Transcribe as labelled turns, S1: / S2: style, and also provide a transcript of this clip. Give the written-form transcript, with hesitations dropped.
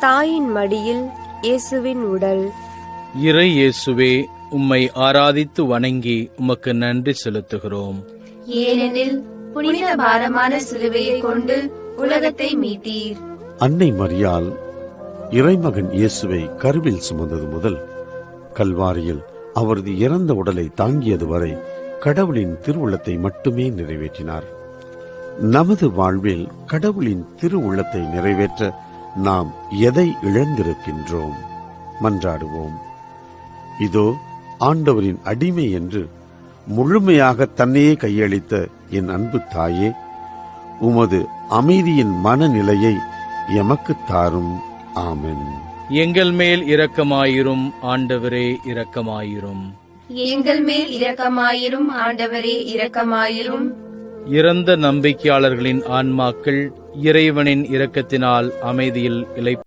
S1: தாயின் மடியில் இயேசுவின் உடல்.
S2: இறை இயேசுவே, உம்மை ஆராதித்து வணங்கி உமக்கு நன்றி செலுத்துகிறோம்.
S3: ஏனெனில் புனித பாரமான சிலுவையை கொண்டு உலகத்தை மீட்டீர்.
S4: அன்னை மரியாள் இறைமகன் இயேசுவை கருவில் சுமந்தது முதல் கல்வாரியில் அவரது இறந்த உடலை தாங்கியது வரை கடவுளின் திருவுள்ளத்தை மட்டுமே நிறைவேற்றினார். நமது வாழ்வில் கடவுளின் திருவுள்ளத்தை நிறைவேற்ற நாம் எதை இழந்திருக்கின்றோம்? மன்றாடுவோம். இதோ ஆண்டவரின் அடிமை என்று முழுமையாக தன்னையே கையளித்த என் அன்பு தாயே, உமது அமைதியின் மனநிலையை எமக்கு தாரும். ஆமென்.
S2: எங்கள் மேல் இரக்கமாயிரும் ஆண்டவரே, இரக்கமாயிரும்.
S3: எங்கள் மேல் இரக்கமாயிரும் ஆண்டவரே, இரக்கமாயிரும்.
S2: இறந்த நம்பிக்கையாளர்களின் ஆன்மாக்கள் இறைவனின் இரக்கத்தினால் அமைதியில் இளைப்பாறும்.